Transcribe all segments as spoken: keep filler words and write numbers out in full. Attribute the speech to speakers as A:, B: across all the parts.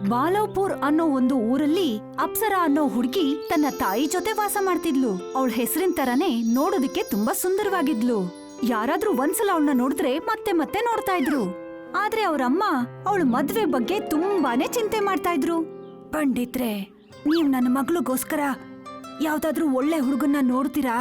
A: ಬಾಲವ್ಪುರ್ ಅನ್ನೋ ಒಂದು ಊರಲ್ಲಿ ಅಪ್ಸರಾ ಅನ್ನೋ ಹುಡುಗಿ ತನ್ನ ತಾಯಿ ಜೊತೆ ವಾಸ ಮಾಡ್ತಿದ್ಲು. ಅವಳ ಹೆಸರಿನ ತರಾನೇ ನೋಡೋದಕ್ಕೆ ತುಂಬಾ ಸುಂದರವಾಗಿದ್ಲು. ಯಾರಾದ್ರೂ ಒಂದ್ಸಲ ಅವಳನ್ನ ನೋಡಿದ್ರೆ ಮತ್ತೆ ಮತ್ತೆ ನೋಡ್ತಾ ಇದ್ರು. ಆದ್ರೆ ಅವ್ರಮ್ಮ ಅವಳ ಮದ್ವೆ ಬಗ್ಗೆ ತುಂಬಾನೇ ಚಿಂತೆ ಮಾಡ್ತಾ ಇದ್ರು. ಪಂಡಿತ್ರೆ, ನೀವ್ ನನ್ನ ಮಗಳಿಗೋಸ್ಕರ ಯಾವ್ದಾದ್ರೂ ಒಳ್ಳೆ ಹುಡುಗನ್ನ ನೋಡ್ತೀರಾ?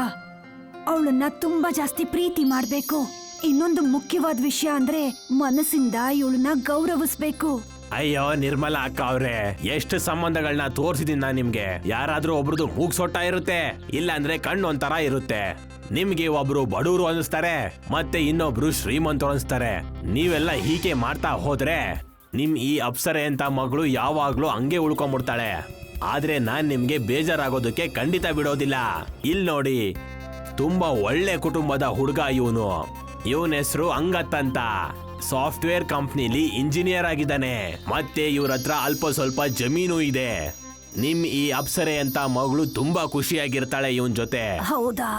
A: ಅವಳನ್ನ ತುಂಬಾ ಜಾಸ್ತಿ ಪ್ರೀತಿ ಮಾಡ್ಬೇಕು. ಇನ್ನೊಂದು ಮುಖ್ಯವಾದ ವಿಷಯ ಅಂದ್ರೆ ಮನಸ್ಸಿಂದ ಇವಳನ್ನ ಗೌರವಿಸ್ಬೇಕು.
B: ಅಯ್ಯೋ ನಿರ್ಮಲಾ ಅಕ್ಕ ಅವ್ರೆ, ಎಷ್ಟು ಸಂಬಂಧಗಳನ್ನ ತೋರ್ಸಿದೀನಿ ನಾನ್ ನಿಮ್ಗೆ. ಯಾರಾದ್ರೂ ಒಬ್ರದ್ದು ಮೂಗ್ ಸೊಟ್ಟ ಇರುತ್ತೆ, ಇಲ್ಲ ಅಂದ್ರೆ ಕಣ್ಣು ಒಂಥರ ಇರುತ್ತೆ. ನಿಮ್ಗೆ ಒಬ್ರು ಬಡವರು ಅನಿಸ್ತಾರೆ, ಮತ್ತೆ ಇನ್ನೊಬ್ರು ಶ್ರೀಮಂತರು ಅನಿಸ್ತಾರೆ. ನೀವೆಲ್ಲ ಹೀಗೆ ಮಾಡ್ತಾ ಹೋದ್ರೆ ನಿಮ್ ಈ ಅಪ್ಸರೆ ಅಂತ ಮಗಳು ಯಾವಾಗ್ಲೂ ಹಂಗೆ ಉಳ್ಕೊಂಡ್ಬಿಡ್ತಾಳೆ. ಆದ್ರೆ ನಾನ್ ನಿಮ್ಗೆ ಬೇಜಾರಾಗೋದಕ್ಕೆ ಖಂಡಿತ ಬಿಡೋದಿಲ್ಲ. ಇಲ್ ನೋಡಿ, ತುಂಬಾ ಒಳ್ಳೆ ಕುಟುಂಬದ ಹುಡುಗ ಇವನು. ಇವನ ಹೆಸರು ಅಂಗತ್ ಅಂತ. ಸಾಫ್ಟ್ವೇರ್ ಕಂಪ್ನಿಲಿ ಇಂಜಿನಿಯರ್ ಆಗಿದ್ದಾನೆ. ಮತ್ತೆ ಇವ್ರ ಹತ್ರ ಅಲ್ಪ ಸ್ವಲ್ಪ ಜಮೀನು ಇದೆ. ನಿಮ್ ಈ ಅಪ್ಸರೆ ಅಂತ ಮಗಳು ತುಂಬಾ ಖುಷಿಯಾಗಿರ್ತಾಳೆ ಇವನ್ ಜೊತೆ.
A: ಹೌದಾ?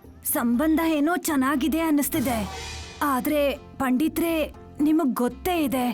A: ಸಂಬಂಧ ಏನೋ ಚೆನ್ನಾಗಿದೆ ಅನ್ನಿಸ್ತಿದೆ. ಆದ್ರೆ ಪಂಡಿತ್ರೆ, ನಿಮಗ್ ಗೊತ್ತೇ ಇದೆ,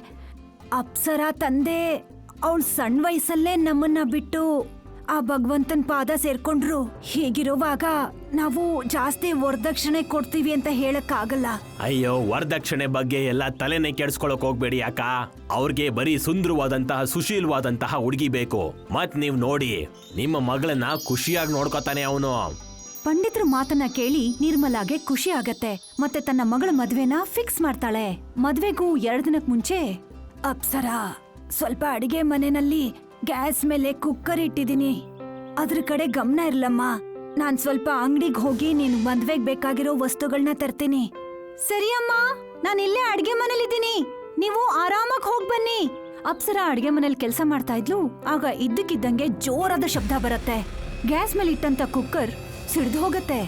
A: ಅಪ್ಸರಾ ತಂದೆ ಅವಳ ಸಣ್ಣ ವಯಸ್ಸಲ್ಲೇ ನಮ್ಮನ್ನ ಬಿಟ್ಟು ಆ ಭಗವಂತನ್ ಪಾದ ಸೇರ್ಕೊಂಡ್ರು. ಹೀಗಿರುವಾಗ ನಾವು ಜಾಸ್ತಿ ವರದಕ್ಷಿಣೆ ಕೊಡ್ತೀವಿ ಅಂತ ಹೇಳಕ್ ಆಗಲ್ಲ.
B: ಅಯ್ಯೋ, ವರದಕ್ಷಿಣೆ ಬಗ್ಗೆ ಎಲ್ಲ ತಲೆನೇ ಕೆಡ್ಸ್ಕೊಳಕ್ ಹೋಗ್ಬೇಡಿ ಅಕ್ಕ. ಅವ್ರಿಗೆ ಬರೀ ಸುಂದರವಾದಂತಹ ಸುಶೀಲವಾದಂತಹ ಹುಡುಗಿ ಬೇಕು. ಮತ್ ನೀವ್ ನೋಡಿ, ನಿಮ್ಮ ಮಗಳನ್ನ ಖುಷಿಯಾಗಿ ನೋಡ್ಕೊತಾನೆ ಅವನು.
A: ಪಂಡಿತ್ರ ಮಾತನ್ನ ಕೇಳಿ ನಿರ್ಮಲಾಗೆ ಖುಷಿ ಆಗತ್ತೆ. ಮತ್ತೆ ತನ್ನ ಮಗಳ ಮದ್ವೆನ ಫಿಕ್ಸ್ ಮಾಡ್ತಾಳೆ. ಮದ್ವೆಗೂ ಎರಡ್ ದಿನಕ್ ಮುಂಚೆ, ಅಪ್ಸರಾ, ಸ್ವಲ್ಪ ಅಡಿಗೆ ಮನೆಯಲ್ಲಿ ಗ್ಯಾಸ್ ಮೇಲೆ ಕುಕ್ಕರ್ ಇಟ್ಟಿದೀನಿ, ಅದ್ರ ಕಡೆ ಗಮನ ಇರ್ಲಮ್ಮ. ನಾನ್ ಸ್ವಲ್ಪ ಅಂಗಡಿಗೆ ಹೋಗಿ ನೀನ್ ಮದ್ವೆಗ್ ಬೇಕಾಗಿರೋ ವಸ್ತುಗಳನ್ನ ತರ್ತೀನಿ. ಸರಿ ಅಮ್ಮ, ನಾನ್ ಇಲ್ಲೇ ಅಡ್ಗೆ ಮನೇಲಿದ್ದೀನಿ, ನೀವು ಆರಾಮಾಗಿ ಹೋಗ್ ಬನ್ನಿ. ಅಪ್ಸರಾ ಅಡ್ಗೆ ಮನೇಲಿ ಕೆಲಸ ಮಾಡ್ತಾ ಇದ್ಲು. ಆಗ ಇದ್ದಕ್ಕಿದ್ದಂಗೆ ಜೋರಾದ ಶಬ್ದ ಬರುತ್ತೆ. ಗ್ಯಾಸ್ ಮೇಲೆ ಇಟ್ಟಂತ ಕುಕ್ಕರ್ ಸಿಡ್ದು ಹೋಗತ್ತೆ.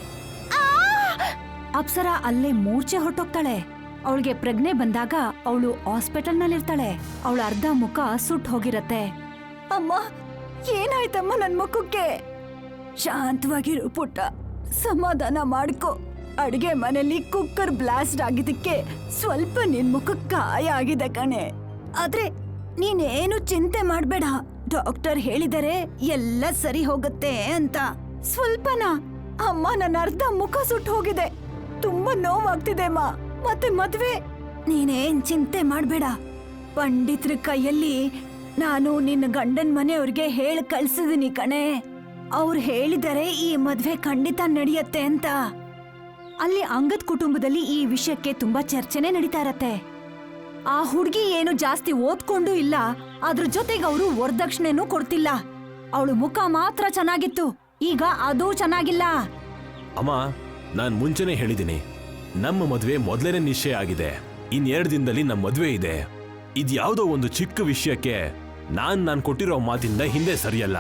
A: ಅಪ್ಸರಾ ಅಲ್ಲೇ ಮೂರ್ಛೆ ಹೊರಟೋಗ್ತಾಳೆ. ಅವಳಿಗೆ ಪ್ರಜ್ಞೆ ಬಂದಾಗ ಅವಳು ಹಾಸ್ಪಿಟಲ್ ನಲ್ಲಿರ್ತಾಳೆ. ಅವಳ ಅರ್ಧ ಮುಖ ಸುಟ್ಟು ಹೋಗಿರತ್ತೆ. ಅಮ್ಮ, ಏನಾಯ್ತಮ್ಮ ನನ್ ಮುಖಕ್ಕೆ? ಶಾಂತವಾಗಿರು ಪುಟ್ಟ, ಸಮಾಧಾನ ಮಾಡ್ಕೊ. ಅಡ್ಗೆ ಮನೆಯಲ್ಲಿ ಕುಕ್ಕರ್ ಬ್ಲಾಸ್ಟ್ ಆಗಿದ್ದಕ್ಕೆ ಸ್ವಲ್ಪ ನಿನ್ ಮುಖಕ್ಕೆ ಗಾಯ ಆಗಿದೆ ಕಣೆ. ಆದ್ರೆ ನೀನೇನು ಚಿಂತೆ ಮಾಡ್ಬೇಡ, ಡಾಕ್ಟರ್ ಹೇಳಿದರೆ ಎಲ್ಲ ಸರಿ ಹೋಗುತ್ತೆ ಅಂತ. ಸ್ವಲ್ಪನಾ? ಅಮ್ಮ, ನನ್ನ ಅರ್ಧ ಮುಖ ಸುಟ್ಟು ಹೋಗಿದೆ, ತುಂಬಾ ನೋವಾಗ್ತಿದೆ ಅಮ್ಮ. ಮತ್ತೆ ಮದ್ವೆ? ನೀನೇನ್ ಚಿಂತೆ ಮಾಡ್ಬೇಡ. ಪಂಡಿತ್ರ ಕೈಯಲ್ಲಿ ನಾನು ನಿನ್ನ ಗಂಡನ್ ಮನೆಯವ್ರಿಗೆ ಹೇಳಿ ಕಳ್ಸಿದೀನಿ ಕಣೆ. ಅವ್ರು ಹೇಳಿದರೆ ಈ ಮದ್ವೆ ಖಂಡಿತ ನಡೆಯತ್ತೆ ಅಂತ. ಅಲ್ಲಿ ಅಂಗದ್ ಕುಟುಂಬದಲ್ಲಿ ಈ ವಿಷಯಕ್ಕೆ ತುಂಬಾ ಚರ್ಚೆನೆ ನಡೀತಾ ಇರತ್ತೆ. ಆ ಹುಡ್ಗಿ ಏನು ಜಾಸ್ತಿ ಓದ್ಕೊಂಡು ಇಲ್ಲ, ಅದ್ರ ಜೊತೆಗೆ ಅವರು ವರದಕ್ಷಿಣೆನೂ ಕೊಡ್ತಿಲ್ಲ. ಅವಳು ಮುಖ ಮಾತ್ರ ಚೆನ್ನಾಗಿತ್ತು, ಈಗ ಅದೂ ಚೆನ್ನಾಗಿಲ್ಲ.
B: ಅಮ್ಮ, ನಾನ್ ಮುಂಚೆನೆ ಹೇಳಿದ್ದೀನಿ, ನಮ್ಮ ಮದ್ವೆ ಮೊದಲನೇ ನಿಶ್ಚಯ ಆಗಿದೆ. ಇನ್ ಎರಡು ದಿನದಲ್ಲಿ ನಮ್ಮ ಮದ್ವೆ ಇದೆ. ಇದ್ಯಾವುದೋ ಒಂದು ಚಿಕ್ಕ ವಿಷಯಕ್ಕೆ ನಾನ್ ನಾನ್ ಕೊಟ್ಟಿರೋ ಮಾತಿಂದ ಹಿಂದೆ ಸರಿಯಲ್ಲ.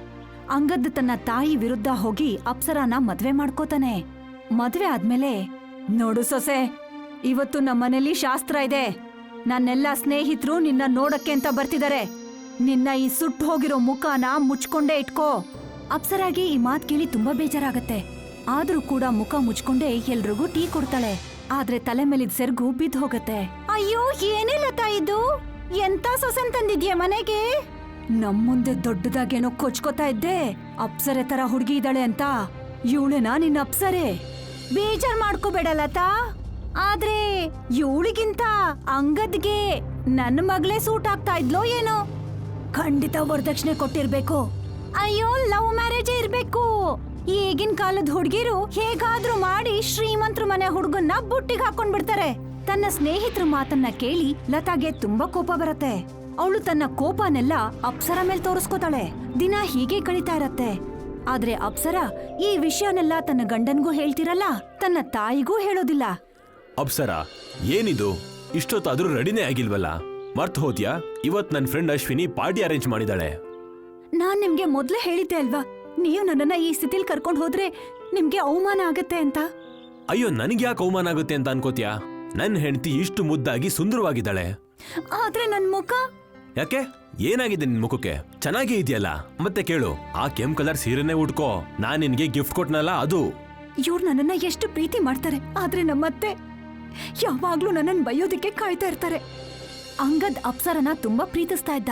A: ಅಂಗದ್ ತನ್ನ ತಾಯಿ ವಿರುದ್ಧ ಹೋಗಿ ಅಪ್ಸರಾನ ಮದ್ವೆ ಮಾಡ್ಕೋತಾನೆ. ಮದ್ವೆ ಆದ್ಮೇಲೆ, ನೋಡು ಸೊಸೆ, ಇವತ್ತು ನಮ್ಮನೇಲಿ ಶಾಸ್ತ್ರ ಇದೆ. ನನ್ನೆಲ್ಲ ಸ್ನೇಹಿತರು ನಿನ್ನ ನೋಡಕ್ಕೆ ಅಂತ ಬರ್ತಿದ್ದಾರೆ. ನಿನ್ನ ಈ ಸುಟ್ಟು ಹೋಗಿರೋ ಮುಖನ ಮುಚ್ಕೊಂಡೇ ಇಟ್ಕೋ. ಅಪ್ಸರಾಗೆ ಈ ಮಾತ್ ಕೇಳಿ ತುಂಬಾ ಬೇಜಾರಾಗತ್ತೆ. ಆದ್ರೂ ಕೂಡ ಮುಖ ಮುಚ್ಕೊಂಡೇ ಎಲ್ರಿಗೂ ಟೀ ಕೊಡ್ತಾಳೆ. ಆದ್ರೆ ತಲೆ ಮೇಲಿದ್ ಸೆರ್ಗು ಬಿದ್ದು ಹೋಗತ್ತೆ. ಅಯ್ಯೋ, ಏನಿಲ್ಲ ತಾಯಿದು, ಎಂತ ಸೊಸೆನ್ ತಂದಿದ್ಯಾ ಮನೆಗೆ? ನಮ್ ಮುಂದೆ ದೊಡ್ಡದಾಗೇನೋ ಕೊಚ್ಕೋತಾ ಇದ್ದೆ, ಅಪ್ಸರೆ ತರ ಹುಡುಗಿ ಇದ್ದಾಳೆ ಅಂತ. ಇವಳೇನಾ ನಿನ್ನ ಅಪ್ಸರೆ? ಬೇಜಾರ್ ಮಾಡ್ಕೋಬೇಡ ಲತಾ. ಆದ್ರೆ ಇವಳಿಗಿಂತ ಅಂಗದ್ಗೆ ನನ್ನ ಮಗಳೇ ಸೂಟ್ ಆಗ್ತಾ ಇದ್ಲೋ ಏನೋ. ಖಂಡಿತ ವರದಕ್ಷಿಣೆ ಕೊಟ್ಟಿರ್ಬೇಕು. ಅಯ್ಯೋ, ಲವ್ ಮ್ಯಾರೇಜ್ ಇರ್ಬೇಕು. ಈಗಿನ ಕಾಲದ ಹುಡುಗಿರು ಹೇಗಾದ್ರೂ ಮಾಡಿ ಶ್ರೀಮಂತರ ಮನೆ ಹುಡುಗನ್ನ ಬುಟ್ಟಿಗೆ ಹಾಕೊಂಡ್ ಬಿಡ್ತಾರೆ. ತನ್ನ ಸ್ನೇಹಿತರ ಮಾತನ್ನ ಕೇಳಿ ಲತಾಗೆ ತುಂಬಾ ಕೋಪ ಬರತ್ತೆ. ಅವಳು ತನ್ನ ಕೋಪನೆಲ್ಲ ಅಪ್ಸರಾ ಮೇಲ್ ತೋರಿಸ್ಕೋತಾಳೆ. ದಿನ ಹೀಗೆ ಕಳೀತಾ ಇರತ್ತೆ. ಆದ್ರೆ ಅಪ್ಸರಾ ಈ ವಿಷಯನೆಲ್ಲ ತನ್ನ ಗಂಡನ್ಗೂ ಹೇಳ್ತಿರಲ್ಲ, ತನ್ನ ತಾಯಿಗೂ ಹೇಳೋದಿಲ್ಲ.
B: ಅಪ್ಸರಾ, ಏನಿದು, ಇಷ್ಟೊತ್ತಾದ್ರೂ ರೆಡಿನೇ ಆಗಿಲ್ವಲ್ಲ? ಮರ್ತ್ ಹೋದ್ಯಾ? ಇವತ್ ನನ್ ಫ್ರೆಂಡ್ ಅಶ್ವಿನಿ ಪಾರ್ಟಿ ಅರೇಂಜ್ ಮಾಡಿದಾಳೆ.
A: ನಾನ್ ನಿಮ್ಗೆ ಮೊದ್ಲೇ ಹೇಳಿದ್ದೆ ಅಲ್ವಾ, ನೀವು ನನ್ನನ್ನ ಈ ಸ್ಥಿತಿಲ್ ಕರ್ಕೊಂಡ್ ಹೋದ್ರೆ ನಿಮ್ಗೆ ಅವಮಾನ ಆಗತ್ತೆ ಅಂತ.
B: ಅಯ್ಯೋ, ನನ್ಗೆ ಯಾಕೆ ಅವಮಾನ ಆಗುತ್ತೆ ಅಂತ ಅನ್ಕೋತ್ಯಾ? ನನ್ ಹೆಂಡತಿ ಇಷ್ಟು ಮುದ್ದಾಗಿ ಸುಂದರವಾಗಿದ್ದಾಳೆ.
A: ಆದ್ರೆ ನನ್ ಮುಖ?
B: ಯಾಕೆ, ಏನಾಗಿದೆ ನಿನ್ ಮುಖಕ್ಕೆ? ಚೆನ್ನಾಗೇ ಇದೆಯಲ್ಲ. ಮತ್ತೆ ಕೇಳು, ಆ ಕೆಂಪ್ ಕಲರ್ ಸೀರೆನೆ ಉಟ್ಕೋ. ನಾನ್ ನಿನ್ಗೆ ಗಿಫ್ಟ್ ಕೊಟ್ನಲ್ಲ ಅದು.
A: ಇವ್ರು ನನ್ನನ್ನ ಎಷ್ಟು ಪ್ರೀತಿ ಮಾಡ್ತಾರೆ, ಆದ್ರೆ ನಮ್ಮತ್ತೆ ಯಾವಾಗ್ಲೂ ನನ್ನನ್ ಬೈಯೋದಿಕ್ಕೆ ಕಾಯ್ತಾ ಇರ್ತಾರೆ. ಅಂಗದ್ ಅಪ್ಸರನ ತುಂಬಾ ಪ್ರೀತಿಸ್ತಾ ಇದ್ದ.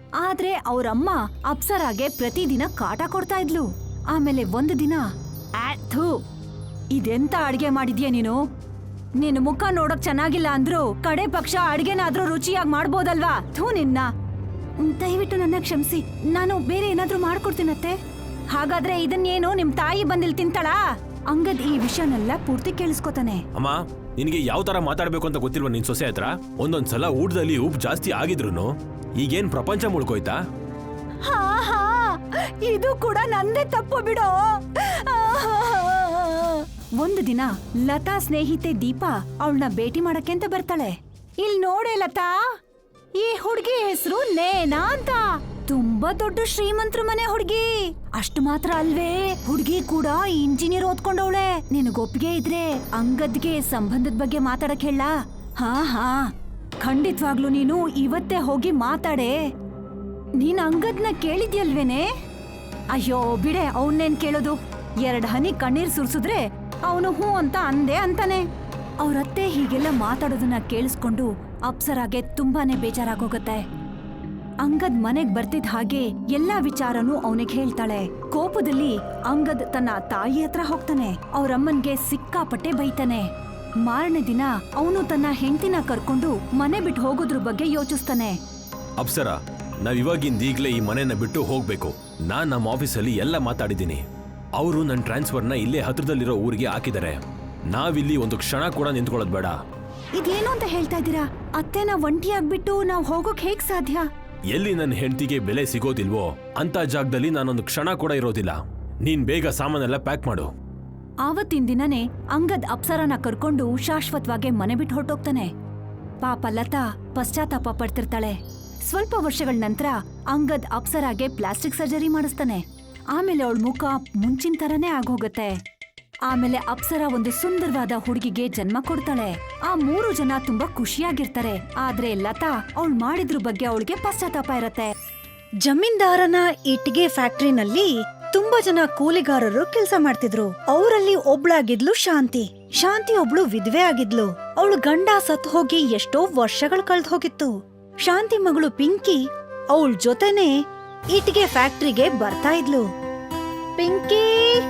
A: ಆದ್ರೆ ಅವ್ರಮ್ಮ ಅಪ್ಸರಾಗೆ ಪ್ರತಿದಿನ ಕಾಟ ಕೊಡ್ತಾ ಇದ್ಲು. ಆಮೇಲೆ ಒಂದು ದಿನ ಥೂ ಇದೆಂತ ಅಡ್ಗೆ ಮಾಡಿದ್ಯಾ ನೀನು? ನಿನ್ ಮುಖ ನೋಡಕ್ ಚೆನ್ನಾಗಿಲ್ಲ ಅಂದ್ರು ಕಡೆ ಪಕ್ಷ ಅಡ್ಗೆನಾದ್ರೂ ರುಚಿಯಾಗಿ ಮಾಡ್ಬೋದಲ್ವಾ? ಥೂ ನಿನ್ನ. ದಯವಿಟ್ಟು ನನ್ನ ಕ್ಷಮಿಸಿ, ನಾನು ಬೇರೆ ಏನಾದ್ರೂ ಮಾಡ್ಕೊಡ್ತೀನತ್ತೆ. ಹಾಗಾದ್ರೆ ಇದನ್ನೇನು ನಿಮ್ ತಾಯಿ ಬಂದಿಲ್ ತಿಂತಾಳಾ? ಅಂಗದ್ ಈ ವಿಷಯನೆಲ್ಲ ಪೂರ್ತಿ ಕೇಳಿಸ್ಕೊತಾನೆ.
B: ಅಮ್ಮ, ನಿನಗೆ ಯಾವ ತರ ಮಾತಾಡ್ಬೇಕು ಅಂತ ಗೊತ್ತಿಲ್ವ ನಿನ್ ಸೊಸೆ ಹತ್ರ? ಒಂದೊಂದ್ಸಲ ಊಟದಲ್ಲಿ ಉಪ್ಪು ಜಾಸ್ತಿ ಆಗಿದ್ರು ಈಗೇನ್ ಪ್ರಪಂಚ ಮುಳ್ಕೋಯ್ತಾ?
A: ಹಾ ಹಾ ಇದು ಕೂಡ ನಂದೇ ತಪ್ಪು ಬಿಡೋ. ಒಂದು ದಿನ ಲತಾ ಸ್ನೇಹಿತೆ ದೀಪಾ ಅವಳನ್ನ ಭೇಟಿ ಮಾಡಕ್ಕೆ ಅಂತ ಬರ್ತಾಳೆ. ಇಲ್ ನೋಡೆ ಲತಾ, ಈ ಹುಡ್ಗಿ ಹೆಸರು ನೇನಾ ಅಂತ. ತುಂಬಾ ದೊಡ್ಡ ಶ್ರೀಮಂತ್ರ ಮನೆ ಹುಡ್ಗಿ. ಅಷ್ಟು ಮಾತ್ರ ಅಲ್ವೇ, ಹುಡ್ಗಿ ಕೂಡ ಇಂಜಿನಿಯರ್ ಓದ್ಕೊಂಡವಳೆ. ನಿನಗ್ ಒಪ್ಪಿಗೆ ಇದ್ರೆ ಅಂಗದ್ಗೆ ಸಂಬಂಧದ ಬಗ್ಗೆ ಮಾತಾಡಕ್ ಹೇಳ? ಹಾ ಹಾ ಖಂಡಿತವಾಗ್ಲು ನೀನು ಇವತ್ತೇ ಹೋಗಿ ಮಾತಾಡೆ. ನೀನ್ ಅಂಗದ್ನ ಕೇಳಿದ್ಯಲ್ವೇನೆ? ಅಯ್ಯೋ ಬಿಡೆ, ಅವನ್ನೇನ್ ಕೇಳೋದು. ಎರಡ್ ಹನಿ ಕಣ್ಣೀರ್ ಸುರ್ಸುದ್ರೆ ಅವನು ಹೂ ಅಂತ ಅಂದೆ ಅಂತಾನೆ. ಅವ್ರತ್ತೆ ಹೀಗೆಲ್ಲ ಮಾತಾಡೋದನ್ನ ಕೇಳಿಸ್ಕೊಂಡು ಅಪ್ಸರಾಗೆ ತುಂಬಾನೇ ಬೇಜಾರಾಗೋಗತ್ತೆ. ಅಂಗದ್ ಮನೆಗ್ ಬರ್ತಿದ್ ಹಾಗೆ ಎಲ್ಲಾ ವಿಚಾರನೂ ಅವನಿಗೆ ಹೇಳ್ತಾಳೆ. ಕೋಪದಲ್ಲಿ ಅಂಗದ್ ತನ್ನ ತಾಯಿ ಹತ್ರ ಹೋಗ್ತಾನೆ. ಅವ್ರಮ್ಮನ್ಗೆ ಸಿಕ್ಕಾಪಟ್ಟೆ ಬೈತಾನೆ. ಮಾರನೇ ದಿನ ಅವನು ತನ್ನ ಹೆಂಡತಿನ ಕರ್ಕೊಂಡು ಮನೆ ಬಿಟ್ಟು ಹೋಗೋದ್ರ ಬಗ್ಗೆ ಯೋಚಿಸ್ತಾನೆ.
B: ಅಪ್ಸರಾ, ನಾವ್ ಇವಾಗಿಂದ ಈಗ್ಲೇ ಈ ಮನೆನ ಬಿಟ್ಟು ಹೋಗ್ಬೇಕು. ನಾನ್ ನಮ್ಮ ಆಫೀಸಲ್ಲಿ ಎಲ್ಲ ಮಾತಾಡಿದ್ದೀನಿ. ಅವರು ನನ್ನ ಟ್ರಾನ್ಸ್ಫರ್ನ ಇಲ್ಲೇ ಹತ್ರದಲ್ಲಿರೋ ಊರಿಗೆ ಹಾಕಿದ್ದಾರೆ. ನಾವಿಲ್ಲಿ ಒಂದು ಕ್ಷಣ ಕೂಡ ನಿಂತ್ಕೊಳ್ಳೋದ್ ಬೇಡ.
A: ಇದೇನು ಅಂತ ಹೇಳ್ತಾ ಇದ್ದೀರಾ? ಅತ್ತೆನ ಒಂಟಿಯಾಗ್ಬಿಟ್ಟು ನಾವ್ ಹೋಗೋಕ್ ಹೇಗ್ ಸಾಧ್ಯ?
B: ಎಲ್ಲಿ ನನ್ನ ಹೆಂಡತಿಗೆ ಬೆಲೆ ಸಿಗೋದಿಲ್ವೋ ಅಂತ ಜಾಗದಲ್ಲಿ ನಾನೊಂದು ಕ್ಷಣ ಕೂಡ ಇರೋದಿಲ್ಲ. ನೀನ್ ಬೇಗ ಸಾಮಾನೆಲ್ಲ ಪ್ಯಾಕ್ ಮಾಡು.
A: ಆವತ್ತಿನ ದಿನನೇ ಅಂಗದ್ ಅಪ್ಸರಾನ ಕರ್ಕೊಂಡು ಶಾಶ್ವತವಾಗಿ ಮನೆ ಬಿಟ್ಟು ಹೊರಟೋಗ್ತಾನೆ. ಪಾಪ ಲತಾ ಪಶ್ಚಾತ್ತಾಪ ಪಡ್ತಿರ್ತಾಳೆ. ಸ್ವಲ್ಪ ವರ್ಷಗಳ ನಂತರ ಅಂಗದ್ ಅಪ್ಸರಾಗೆ ಪ್ಲಾಸ್ಟಿಕ್ ಸರ್ಜರಿ ಮಾಡಿಸ್ತಾನೆ. ಆಮೇಲೆ ಅವಳ ಮುಖ ಮುಂಚಿನ ತರನೇ ಆಗೋಗತ್ತೆ. ಆಮೇಲೆ ಅಪ್ಸರಾ ಒಂದು ಸುಂದರವಾದ ಹುಡುಗಿಗೆ ಜನ್ಮ ಕೊಡ್ತಾಳೆ. ಆ ಮೂರು ಜನ ತುಂಬಾ ಖುಷಿಯಾಗಿರ್ತಾರೆ. ಆದ್ರೆ ಲತಾ ಅವಳು ಮಾಡಿದ್ರ ಬಗ್ಗೆ ಅವಳಿಗೆ ಪಶ್ಚಾತ್ತಾಪ ಇರತ್ತೆ.
C: ಜಮೀನ್ದಾರನ ಇಟ್ಟಿಗೆ ಫ್ಯಾಕ್ಟ್ರಿನಲ್ಲಿ ತುಂಬಾ ಜನ ಕೂಲಿಗಾರರು ಕೆಲಸ ಮಾಡ್ತಿದ್ರು. ಅವರಲ್ಲಿ ಒಬ್ಳಾಗಿದ್ಲು ಶಾಂತಿ. ಶಾಂತಿ ಒಬ್ಳು ವಿಧವೆ ಆಗಿದ್ಲು. ಅವಳು ಗಂಡ ಸತ್ ಹೋಗಿ ಎಷ್ಟೋ ವರ್ಷಗಳು ಕಳ್ದ್ ಹೋಗಿತ್ತು. ಶಾಂತಿ ಮಗಳು ಪಿಂಕಿ ಅವಳ ಜೊತೆನೆ ಇಟ್ಟಿಗೆ ಫ್ಯಾಕ್ಟ್ರಿಗೆ ಬರ್ತಾ ಇದ್ಲು. ಪಿಂಕಿ,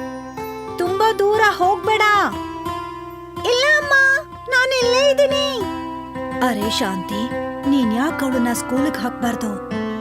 C: ತುಂಬಾ ದೂರ ಹೋಗ್ಬೇಡ. ಇಲ್ಲ ಅಮ್ಮ, ನಾನು ಇಲ್ಲೇ ಇದ್ದೀನಿ. ಅರೆ ಶಾಂತಿ, ನೀನ್ ಯಾಕೆ ಅವಳನ್ನ ಸ್ಕೂಲ್ಗೆ ಹಾಕ್ಬಾರ್ದು?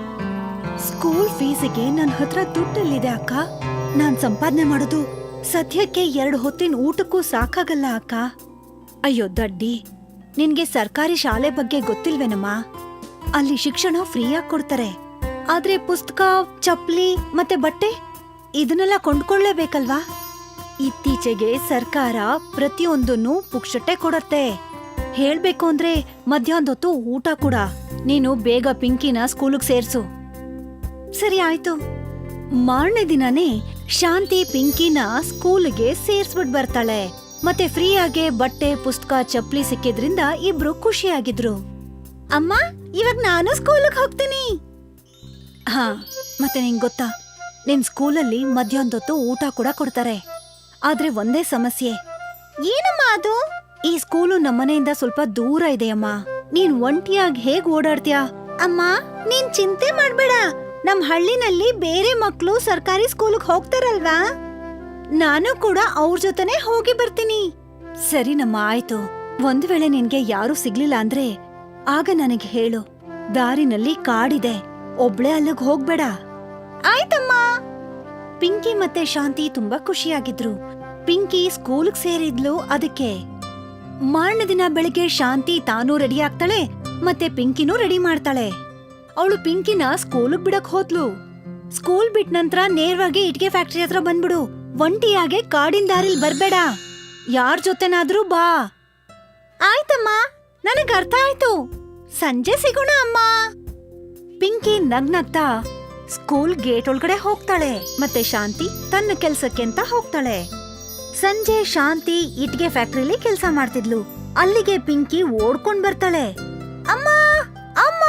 C: ಸ್ಕೂಲ್ ಫೀಸಿಗೆ ನನ್ ಹತ್ರ ದುಡ್ಡಲ್ಲಿದೆ ಅಕ್ಕ. ನಾನ್ ಸಂಪಾದನೆ ಮಾಡೋದು ಸದ್ಯಕ್ಕೆ ಎರಡು ಹೊತ್ತಿನ ಊಟಕ್ಕೂ ಸಾಕಾಗಲ್ಲ ಅಕ್ಕ. ಅಯ್ಯೋ ದಡ್ಡಿ, ನಿನ್ಗೆ ಸರ್ಕಾರಿ ಶಾಲೆ ಬಗ್ಗೆ ಗೊತ್ತಿಲ್ವೇನಮ್ಮ? ಅಲ್ಲಿ ಶಿಕ್ಷಣ ಫ್ರೀಯಾಗಿ ಕೊಡ್ತಾರೆ. ಆದ್ರೆ ಪುಸ್ತಕ, ಚಪ್ಲಿ ಮತ್ತೆ ಬಟ್ಟೆ ಇದನ್ನೆಲ್ಲ ಕೊಂಡ್ಕೊಳ್ಳೇಬೇಕಲ್ವಾ? ಇತ್ತೀಚೆಗೆ ಸರ್ಕಾರ ಪ್ರತಿಯೊಂದನ್ನು ಪುಕ್ಷಟೆ ಕೊಡತ್ತೆ. ಹೇಳ್ಬೇಕು ಅಂದ್ರೆ ಮಧ್ಯಾಹ್ನದೊತ್ತು ಊಟ ಕೂಡ. ನೀನು ಬೇಗ ಪಿಂಕಿನ ಸ್ಕೂಲಿಗೆ ಸೇರ್ಸು. ಸರಿ ಆಯ್ತು. ಮಾರನೇ ದಿನನೇ ಶಾಂತಿ ಪಿಂಕಿನ ಸ್ಕೂಲಿಗೆ ಸೇರ್ಸ್ಬಿಟ್ ಬರ್ತಾಳೆ. ಮತ್ತೆ ಫ್ರೀಯಾಗೆ ಬಟ್ಟೆ, ಪುಸ್ತಕ, ಚಪ್ಲಿ ಸಿಕ್ಕಿದ್ರಿಂದ ಇಬ್ರು ಖುಷಿಯಾಗಿದ್ರು. ಅಮ್ಮ, ಇವಾಗ ನಾನು ಸ್ಕೂಲಿಗೆ ಹೋಗ್ತೀನಿ. ಹಾ, ಮತ್ತೆ ನಿಂಗ್ ಗೊತ್ತಾ, ನಿಮ್ ಸ್ಕೂಲಲ್ಲಿ ಮಧ್ಯಾಹ್ನದೊತ್ತು ಊಟ ಕೂಡ ಕೊಡ್ತಾರೆ. ಆದ್ರೆ ಒಂದೇ ಸಮಸ್ಯೆ. ಏನಮ್ಮ ಅದು? ಈ ಸ್ಕೂಲು ನಮ್ಮನೆಯಿಂದ ಸ್ವಲ್ಪ ದೂರ ಇದೆಯಮ್ಮ. ನೀನ್ ಒಂಟಿಯಾಗಿ ಹೇಗ್ ಓಡಾಡ್ತೀಯಾ? ಅಮ್ಮ, ನೀನ್ ಚಿಂತೆ ಮಾಡ್ಬೇಡ. ನಮ್ ಹಳ್ಳಿನಲ್ಲಿ ಬೇರೆ ಮಕ್ಳು ಸರ್ಕಾರಿ ಸ್ಕೂಲಿಗೆ ಹೋಗ್ತಾರಲ್ವಾ, ನಾನು ಕೂಡ ಅವ್ರ ಜೊತೆನೆ ಹೋಗಿ ಬರ್ತೀನಿ. ಸರಿನಮ್ಮ, ಆಯ್ತು. ಒಂದ್ ವೇಳೆ ನಿನ್ಗೆ ಯಾರು ಸಿಗ್ಲಿಲ್ಲ ಅಂದ್ರೆ ಆಗ ನನಗೆ ಹೇಳು. ದಾರಿನಲ್ಲಿ ಕಾಡಿದೆ, ಒಬ್ಳೆ ಅಲ್ಲಿಗ್ ಹೋಗ್ಬೇಡ. ಆಯ್ತಮ್ಮ. ಪಿಂಕಿ ಮತ್ತೆ ಶಾಂತಿ ತುಂಬಾ ಖುಷಿಯಾಗಿದ್ರು. ಪಿಂಕಿ ಸ್ಕೂಲ್ಗ್ ಸೇರಿದ್ಲು. ಅದಕ್ಕೆ ಮಾರನೇ ದಿನ ಬೆಳಿಗ್ಗೆ ಶಾಂತಿ ತಾನೂ ರೆಡಿ ಆಗ್ತಾಳೆ, ಮತ್ತೆ ಪಿಂಕಿನೂ ರೆಡಿ ಮಾಡ್ತಾಳೆ. ಅವಳು ಪಿಂಕಿನ ಸ್ಕೂಲ್ಗ್ ಬಿಡಕ್ ಹೋದ್ಲು. ಸ್ಕೂಲ್ ಬಿಟ್ ನಂತರ ನೇರವಾಗಿ ಇಟ್ಗೆ ಫ್ಯಾಕ್ಟರಿ ಹತ್ರ ಬಂದ್ಬಿಡು. ಒಂಟಿಯಾಗೆ ಕಾಡಿನ ದಾರಿಲ್ ಬರ್ಬೇಡ. ಯಾರ್ ಜೊತೆನಾದ್ರೂ ಬಾ. ಆಯ್ತಮ್ಮ, ನನಗ್ ಅರ್ಥ ಆಯ್ತು. ಸಂಜೆ ಸಿಗೋಣ ಅಮ್ಮ. ಪಿಂಕಿ ನಗ್ನಗ್ತಾ ಸ್ಕೂಲ್ ಗೇಟ್ ಒಳಗಡೆ ಹೋಗ್ತಾಳೆ. ಮತ್ತೆ ಶಾಂತಿ ತನ್ನ ಕೆಲ್ಸಕ್ಕೆ ಅಂತ ಹೋಗ್ತಾಳೆ. ಸಂಜೆ ಶಾಂತಿ ಇಟ್ಗೆ ಫ್ಯಾಕ್ಟ್ರಿಲಿ ಕೆಲ್ಸ ಮಾಡ್ತಿದ್ಲು. ಅಲ್ಲಿಗೆ ಪಿಂಕಿ ಓಡ್ಕೊಂಡ್ ಬರ್ತಾಳೆ. ಅಮ್ಮ, ಅಮ್ಮ.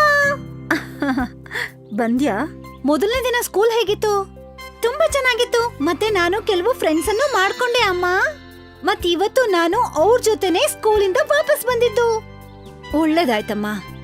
C: ಬಂದ್ಯಾ? ಮೊದಲನೇ ದಿನ ಸ್ಕೂಲ್ ಹೇಗಿತ್ತು? ತುಂಬಾ ಚೆನ್ನಾಗಿತ್ತು. ಮತ್ತೆ ನಾನು ಕೆಲವು ಫ್ರೆಂಡ್ಸ್ ಅನ್ನು ಮಾಡ್ಕೊಂಡೆ ಅಮ್ಮ. ಮತ್ ಇವತ್ತು ನಾನು ಅವ್ರ ಜೊತೆನೆ ಸ್ಕೂಲಿಂದ ವಾಪಸ್ ಬಂದಿದ್ದು. ಒಳ್ಳೇದಾಯ್ತಮ್ಮ.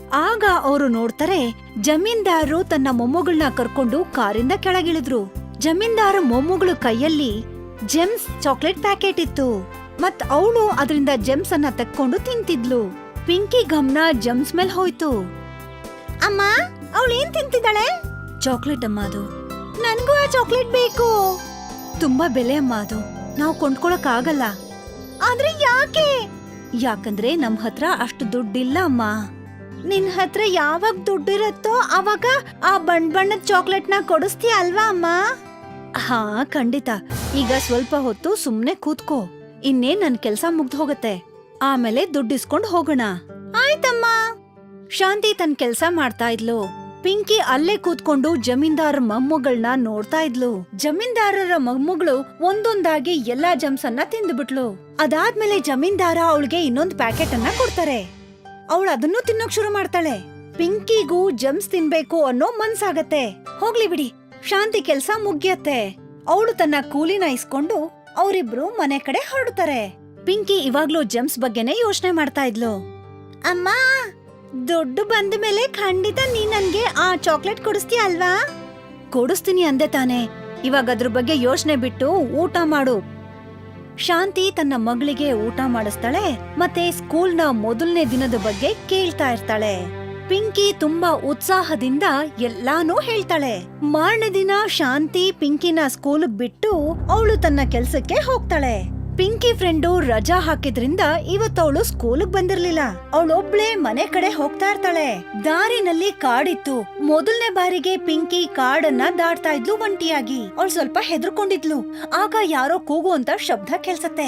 C: ಆಗ ಅವರು ನೋಡ್ತಾರೆ ಜಮೀನ್ದಾರರು ತನ್ನ ಮೊಮ್ಮಗಳನ್ನ ಕರ್ಕೊಂಡು ಕಾರಿಂದ ಕೆಳಗಿಳಿದ್ರು. ಜಮೀನ್ದಾರ ಮೊಮ್ಮಗಳು ಕೈಯಲ್ಲಿ ಜೆಮ್ಸ್ ಚಾಕ್ಲೇಟ್ ಪ್ಯಾಕೆಟ್ ಇತ್ತು ಮತ್ ಅವಳು ಅದರಿಂದ ಜೆಮ್ಸ್ ಅನ್ನ ತೆಕ್ಕೊಂಡು ತಿಂತಿದ್ಲು. ಪಿಂಕಿ ಗಮನ ಜೆಮ್ಸ್ ಮೇಲ್ ಹೋಯ್ತು. ಅಮ್ಮ ಅವಳು ಏನ್ ತಿಂತಿದ್ದಾಳೆ? ಚಾಕ್ಲೇಟ್ ಅಮ್ಮ ಅದು. ನನ್ಗೂ ಆ ಚಾಕ್ಲೇಟ್ ಬೇಕು. ತುಂಬಾ ಬೆಲೆ ಅಮ್ಮ ಅದು, ನಾವು ಕೊಂಡ್ಕೊಳಕ್ ಆಗಲ್ಲ. ಆದ್ರೆ ಯಾಕೆ? ಯಾಕಂದ್ರೆ ನಮ್ ಹತ್ರ ಅಷ್ಟು ದುಡ್ಡಿಲ್ಲ ಅಮ್ಮ. ನಿನ್ ಹತ್ರ ಯಾವಾಗ ದುಡ್ಡಿರತ್ತೋ ಅವಾಗ ಆ ಬಣ್ಣ ಬಣ್ಣದ ಚಾಕ್ಲೇಟ್ ನ ಕೊಡಿಸ್ತೀಯ ಅಲ್ವಾ ಅಮ್ಮ? ಹಾ ಖಂಡಿತ. ಈಗ ಸ್ವಲ್ಪ ಹೊತ್ತು ಸುಮ್ನೆ ಕೂತ್ಕೋ, ಇನ್ನೇನ್ ನನ್ ಕೆಲ್ಸ ಮುಗ್ದು ಹೋಗತ್ತೆ, ಆಮೇಲೆ ದುಡ್ಡಿಸ್ಕೊಂಡ್ ಹೋಗೋಣ. ಆಯ್ತಮ್ಮ. ಶಾಂತಿ ತನ್ ಕೆಲ್ಸ ಮಾಡ್ತಾ ಇದ್ಲು. ಪಿಂಕಿ ಅಲ್ಲೇ ಕೂತ್ಕೊಂಡು ಜಮೀನ್ದಾರ ಮೊಮ್ಮಗಳನ್ನ ನೋಡ್ತಾ ಇದ್ಲು. ಜಮೀನ್ದಾರರ ಮೊಮ್ಮಗಳು ಒಂದೊಂದಾಗಿ ಎಲ್ಲಾ ಜಮ್ಸ್ ಅನ್ನ ತಿಂದ್ಬಿಟ್ಲು. ಅದಾದ್ಮೇಲೆ ಜಮೀನ್ದಾರ ಅವಳಿಗೆ ಇನ್ನೊಂದ್ ಪ್ಯಾಕೆಟ್ ಅನ್ನ ಕೊಡ್ತಾರೆ. ಅವಳು ಅದನ್ನು ತಿನ್ನೋಕ್ ಶುರು ಮಾಡ್ತಾಳೆ. ಪಿಂಕಿಗೂ ಜಮ್ಸ್ ತಿನ್ಬೇಕು ಅನ್ನೋ ಮನ್ಸಾಗತ್ತೆ. ಹೋಗ್ಲಿ ಬಿಡಿ, ಶಾಂತಿ ಕೆಲ್ಸ ಮುಗ್ಯತ್ತೆ. ಅವಳು ತನ್ನ ಕೂಲಿನ ಇಸ್ಕೊಂಡು ಅವರಿಬ್ರು ಮನೆ ಕಡೆ ಹೊರಡ್ತಾರೆ. ಪಿಂಕಿ ಇವಾಗ್ಲೂ ಜಮ್ಸ್ ಬಗ್ಗೆನೆ ಯೋಚನೆ ಮಾಡ್ತಾ ಇದ್ಲು. ಅಮ್ಮ, ದುಡ್ಡು ಬಂದ ಮೇಲೆ ಖಂಡಿತ ನೀ ನನ್ಗೆ ಆ ಚಾಕ್ಲೇಟ್ ಕೊಡಿಸ್ತೀಯ ಅಲ್ವಾ? ಕೊಡಿಸ್ತೀನಿ ಅಂದೆ ತಾನೆ. ಇವಾಗ ಅದ್ರ ಬಗ್ಗೆ ಯೋಚನೆ ಬಿಟ್ಟು ಊಟ ಮಾಡು. ಶಾಂತಿ ತನ್ನ ಮಗಳಿಗೆ ಊಟ ಮಾಡಿಸ್ತಾಳೆ ಮತ್ತೆ ಸ್ಕೂಲ್ನ ಮೊದಲನೇ ದಿನದ ಬಗ್ಗೆ ಕೇಳ್ತಾ ಇರ್ತಾಳೆ. ಪಿಂಕಿ ತುಂಬಾ ಉತ್ಸಾಹದಿಂದ ಎಲ್ಲಾನು ಹೇಳ್ತಾಳೆ. ಮಾರನೇ ದಿನ ಶಾಂತಿ ಪಿಂಕಿನ ಸ್ಕೂಲ್ ಬಿಟ್ಟು ಅವಳು ತನ್ನ ಕೆಲ್ಸಕ್ಕೆ ಹೋಗ್ತಾಳೆ. ಪಿಂಕಿ ಫ್ರೆಂಡು ರಜಾ ಹಾಕಿದ್ರಿಂದ ಇವತ್ತವಳು ಸ್ಕೂಲ್ಗ್ ಬಂದಿರ್ಲಿಲ್ಲ. ಅವಳೊಬ್ಳೆ ಮನೆ ಕಡೆ ಹೋಗ್ತಾ ಇರ್ತಾಳೆ. ದಾರಿನಲ್ಲಿ ಕಾಡಿತ್ತು. ಮೊದಲನೇ ಬಾರಿಗೆ ಪಿಂಕಿ ಕಾಡನ್ನ ದಾಟ್ತಾ ಇದ್ಲು ಒಂಟಿಯಾಗಿ. ಅವಳು ಸ್ವಲ್ಪ ಹೆದರ್ಕೊಂಡಿದ್ಲು. ಆಗ ಯಾರೋ ಕೂಗು ಅಂತ ಶಬ್ದ ಕೇಳ್ಸತ್ತೆ.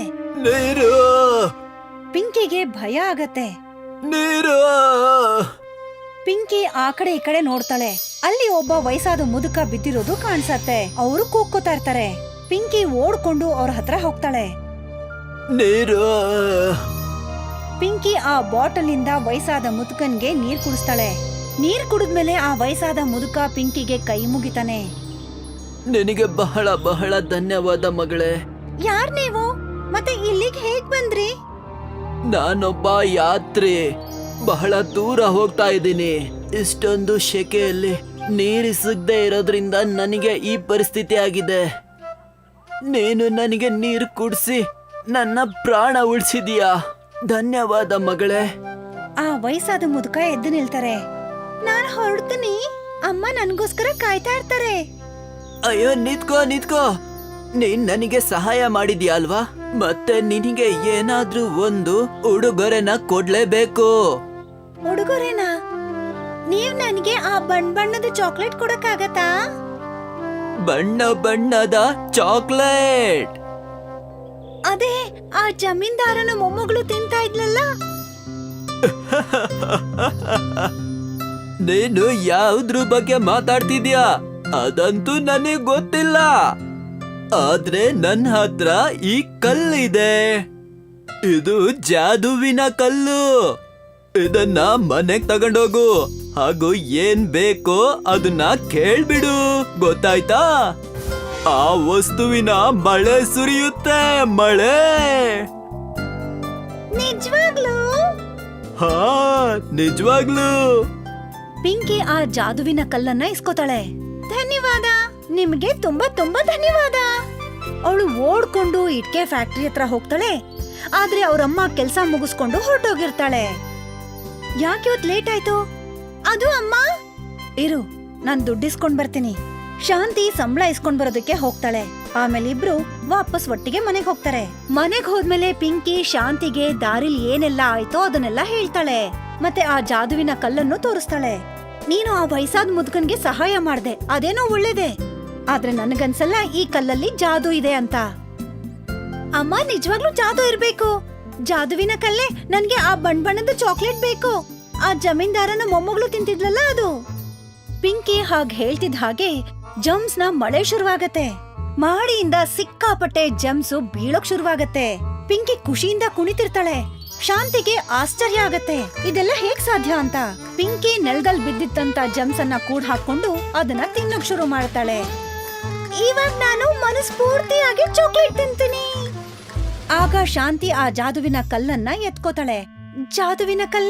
C: ಪಿಂಕಿಗೆ ಭಯ ಆಗತ್ತೆ. ಪಿಂಕಿ ಆ ಕಡೆ ಈ ಕಡೆ ನೋಡ್ತಾಳೆ. ಅಲ್ಲಿ ಒಬ್ಬ ವಯಸ್ಸಾದ ಮುದುಕ ಬಿದ್ದಿರೋದು ಕಾಣ್ಸತ್ತೆ. ಅವರು ಕೂಗ್ಕೋತಾ ಇರ್ತಾರೆ. ಪಿಂಕಿ ಓಡ್ಕೊಂಡು ಅವ್ರ ಹತ್ರ ಹೋಗ್ತಾಳೆ. ಪಿಂಕಿ ಆ ಬಾಟಲ್ ಇಂದ ವಯಸ್ಸಾದ ಮುದುಕನ್ಗೆ ನೀರ್ ಕುಡಿಸ್ತಾಳೆ. ನೀರ್ ಕುಡಿದ್ಮೇಲೆ ಆ ವಯಸ್ಸಾದ ಮುದುಕ ಪಿಂಕಿಗೆ ಕೈ ಮುಗಿತಾನೆ.
D: ನಿನಗೆ ಬಹಳ ಬಹಳ ಧನ್ಯವಾದ ಮಗಳೇ.
C: ಯಾರ್ ನೀವು? ಮತ್ತೆ ಇಲ್ಲಿಗೆ ಹೇಗ್ ಬಂದ್ರಿ?
D: ನಾನೊಬ್ಬ ಯಾತ್ರಿ, ಬಹಳ ದೂರ ಹೋಗ್ತಾ ಇದ್ದೀನಿ. ಇಷ್ಟೊಂದು ಶೆಕೆಯಲ್ಲಿ ನೀರು ಸಿಗದೆ ಇರೋದ್ರಿಂದ ನನಗೆ ಈ ಪರಿಸ್ಥಿತಿ ಆಗಿದೆ. ನೀನು ನನಗೆ ನೀರು ಕುಡಿಸಿ ನನ್ನ ಪ್ರಾಣ ಉಳಿಸಿದೀಯಾ. ಧನ್ಯವಾದ ಮಗಳೇ.
C: ಆ ವಯಸ್ಸಾದ ಮುದುಕ ಎದ್ದು ನಿಲ್ತಾರೆ. ನಾನ್ ಹೊರಡ್ತೀನಿ, ಅಮ್ಮ ನನ್ಗೋಸ್ಕರ ಕಾಯ್ತಾ ಇರ್ತಾರೆ.
D: ಅಯ್ಯೋ ನಿತ್ಕೋ ನಿತ್ಕೋ, ನೀನ್ ನನಗೆ ಸಹಾಯ ಮಾಡಿದ್ಯಾ ಅಲ್ವಾ? ಮತ್ತೆ ನಿನಗೆ ಏನಾದ್ರೂ ಒಂದು ಉಡುಗೊರೆನ ಕೊಡ್ಲೇಬೇಕು.
C: ಉಡುಗೊರೆನಾ? ನೀವ್ ನನ್ಗೆ ಆ ಬಣ್ಣ ಬಣ್ಣದ ಚಾಕ್ಲೇಟ್ ಕೊಡಕ್ಕಾಗತ್ತಾ?
D: ಬಣ್ಣ ಬಣ್ಣದ ಚಾಕ್ಲೇಟ್?
C: ಅದೇ ಆ ಜಮೀನ್ದಾರನ ಮೊಮ್ಮಗಳು ತಿಂತಾ ಇದ್ಲಲ್ಲ.
D: ನೀನು ಯಾವ್ದ್ರ ಬಗ್ಗೆ ಮಾತಾಡ್ತಿದ್ಯಾ? ಅದಂತೂ ನನಗ್ ಗೊತ್ತಿಲ್ಲ. ಆದ್ರೆ ನನ್ನ ಹತ್ರ ಈ ಕಲ್ಲಿದೆ. ಇದು ಜಾದುವಿನ ಕಲ್ಲು. ಇದನ್ನ ಮನೆಗ್ ತಗೊಂಡೋಗು, ಹಾಗೂ ಏನ್ ಬೇಕೋ ಅದನ್ನ ಕೇಳ್ಬಿಡು, ಗೊತ್ತಾಯ್ತಾ? ಆ ವಸ್ತುವಿನ ಮಳೆ ಸುರಿಯುತ್ತೆ, ಮಳೆ.
C: ನಿಜವಾಗ್ಲೂ?
D: ಹಾ, ನಿಜವಾಗ್ಲೂ.
C: ಪಿಂಕಿ ಆ ಜಾದುವಿನ ಕಲ್ಲನ್ನ ಇಸ್ಕೋತಾಳೆ. ಧನ್ಯವಾದ, ನಿಮ್ಗೆ ತುಂಬಾ ತುಂಬಾ ಧನ್ಯವಾದ. ಅವಳು ಓಡ್ಕೊಂಡು ಇಟ್ಕೆ ಫ್ಯಾಕ್ಟರಿ ಹತ್ರ ಹೋಗ್ತಾಳೆ. ಆದ್ರೆ ಅವ್ರಮ್ಮ ಕೆಲ್ಸ ಮುಗಿಸ್ಕೊಂಡು ಹೊರಟೋಗಿರ್ತಾಳೆ. ಯಾಕೆ ಇವತ್ ಲೇಟ್ ಆಯ್ತು? ಅದು ಅಮ್ಮ. ಇರು, ನಾನ್ ದುಡ್ಡಿಸ್ಕೊಂಡ್ ಬರ್ತೀನಿ. ಶಾಂತಿ ಸಂಬಳ ಇಸ್ಕೊಂಡ್ ಬರೋದಕ್ಕೆ ಹೋಗ್ತಾಳೆ. ಆಮೇಲೆ ಇಬ್ರು ವಾಪಸ್ ಒಟ್ಟಿಗೆ ಮನೆಗ್ ಹೋಗ್ತಾರೆ. ಮನೆಗ್ ಹೋದ್ಮೇಲೆ ಪಿಂಕಿ ಶಾಂತಿಗೆ ದಾರಿಲ್ ಏನೆಲ್ಲ ಆಯ್ತೋ ಅದನ್ನೆಲ್ಲ ಹೇಳ್ತಾಳೆ. ಮತ್ತೆ ಆ ಜಾದುವಿನ ಕಲ್ಲನ್ನು ತೋರಿಸ್ತಾಳೆ. ನೀನು ಆ ವಯಸ್ಸಾದ ಮುದುಕನ್ಗೆ ಸಹಾಯ ಮಾಡ್ದೆ, ಅದೇನೋ ಒಳ್ಳೇದೆ. ಆದ್ರೆ ನನಗನ್ಸಲ್ಲ ಈ ಕಲ್ಲಲ್ಲಿ ಜಾದು ಇದೆ ಅಂತ. ಅಮ್ಮ, ನಿಜವಾಗ್ಲೂ ಜಾದು ಇರ್ಬೇಕು. ಜಾದುವಿನ ಕಲ್ಲೇ ನನ್ಗೆ ಆ ಬಣ್ಣ ಬಣ್ಣದ ಚಾಕ್ಲೇಟ್ ಬೇಕು. ಆ ಜಮೀನ್ದಾರನ ಮೊಮ್ಮಗಳು ತಿಂತಿದ್ಲಲ್ಲ ಅದು. ಪಿಂಕಿ ಹಾಗ್ ಹೇಳ್ತಿದ್ ಹಾಗೆ ಜಮ್ಸ್ ನ ಮಳೆ ಶುರುವಾಗತ್ತೆ. ಮಾಡಿಯಿಂದ ಸಿಕ್ಕಾಪಟ್ಟೆ ಜಮ್ಸು ಬೀಳೋಕ್ ಶುರುವಾಗತ್ತೆ. ಪಿಂಕಿ ಖುಷಿಯಿಂದ ಕುಣಿತಿರ್ತಾಳೆ. ಶಾಂತಿಗೆ ಆಶ್ಚರ್ಯ ಆಗತ್ತೆ, ಇದೆಲ್ಲ ಹೇಗ್ ಸಾಧ್ಯ ಅಂತ. ಪಿಂಕಿ ನೆಲದಲ್ಲಿ ಬಿದ್ದಿತ್ತಂತ ಜಮ್ಸ್ ಅನ್ನ ಕೂಡ್ ಹಾಕೊಂಡು ಅದನ್ನ ತಿನ್ನೋಕ್ ಶುರು ಮಾಡ್ತಾಳೆ. ಇವಾಗ ನಾನು ಮನಸ್ಫೂರ್ತಿಯಾಗಿ ಚಾಕ್ಲೇಟ್ ತಿಂತೀನಿ. ಆಗ ಶಾಂತಿ ಆ ಜಾದುವಿನ ಕಲ್ಲನ್ನ ಎತ್ಕೋತಾಳೆ. ಜಾದುವಿನ ಕಲ್ಲೇ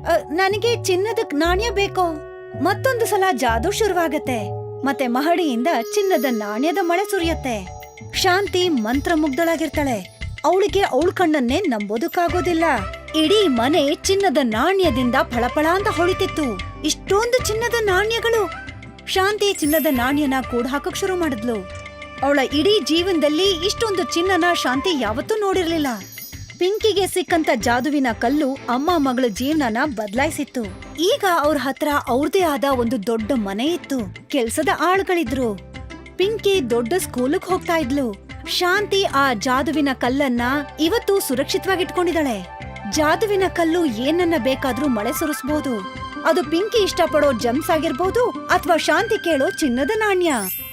C: "ಅ, ನನಗೆ ಚಿನ್ನದ ನಾಣ್ಯ ಬೇಕು." ಮತ್ತೊಂದು ಸಲ ಜಾದೂ ಶುರುವಾಗತ್ತೆ ಮತ್ತೆ ಮಹಡಿಯಿಂದ ಚಿನ್ನದ ನಾಣ್ಯದ ಮಳೆ ಸುರಿಯತ್ತೆ. ಶಾಂತಿ ಮಂತ್ರಮುಗ್ಧಳಾಗಿರ್ತಾಳೆ. ಅವಳಿಗೆ ಅವಳ ಕಣ್ಣನ್ನೇ ನಂಬೋದಕ್ಕಾಗೋದಿಲ್ಲ. ಇಡೀ ಮನೆ ಚಿನ್ನದ ನಾಣ್ಯದಿಂದ ಫಳಫಳ ಅಂತ ಹೊಳಿತಿತ್ತು. ಇಷ್ಟೊಂದು ಚಿನ್ನದ ನಾಣ್ಯಗಳು! ಶಾಂತಿ ಚಿನ್ನದ ನಾಣ್ಯನ ಕೂಡ ಹಾಕಕ್ ಶುರು ಮಾಡಿದ್ಲು. ಅವಳ ಇಡೀ ಜೀವನದಲ್ಲಿ ಇಷ್ಟೊಂದು ಚಿನ್ನನ ಶಾಂತಿ ಯಾವತ್ತೂ ನೋಡಿರ್ಲಿಲ್ಲ. ಪಿಂಕಿಗೆ ಸಿಕ್ಕಂತ ಜಾದುವಿನ ಕಲ್ಲು ಅಮ್ಮ ಮಗಳ ಜೀವನನ ಬದಲಾಯಿಸಿತ್ತು. ಈಗ ಅವ್ರ ಹತ್ರ ಅವ್ರದೇ ಆದ ಒಂದು ದೊಡ್ಡ ಮನೆ ಇತ್ತು. ಕೆಲ್ಸದ ಆಳುಗಳಿದ್ರು. ಪಿಂಕಿ ದೊಡ್ಡ ಸ್ಕೂಲಿಗೆ ಹೋಗ್ತಾ ಇದ್ಲು. ಶಾಂತಿ ಆ ಜಾದುವಿನ ಕಲ್ಲನ್ನ ಇವತ್ತು ಸುರಕ್ಷಿತವಾಗಿಟ್ಕೊಂಡಿದ್ದಾಳೆ. ಜಾದುವಿನ ಕಲ್ಲು ಏನನ್ನ ಬೇಕಾದ್ರೂ ಮಳೆ ಸುರಿಸಬಹುದು. ಅದು ಪಿಂಕಿ ಇಷ್ಟಪಡೋ ಜಮ್ಸ್ ಆಗಿರ್ಬೋದು ಅಥವಾ ಶಾಂತಿ ಕೇಳೋ ಚಿನ್ನದ ನಾಣ್ಯ.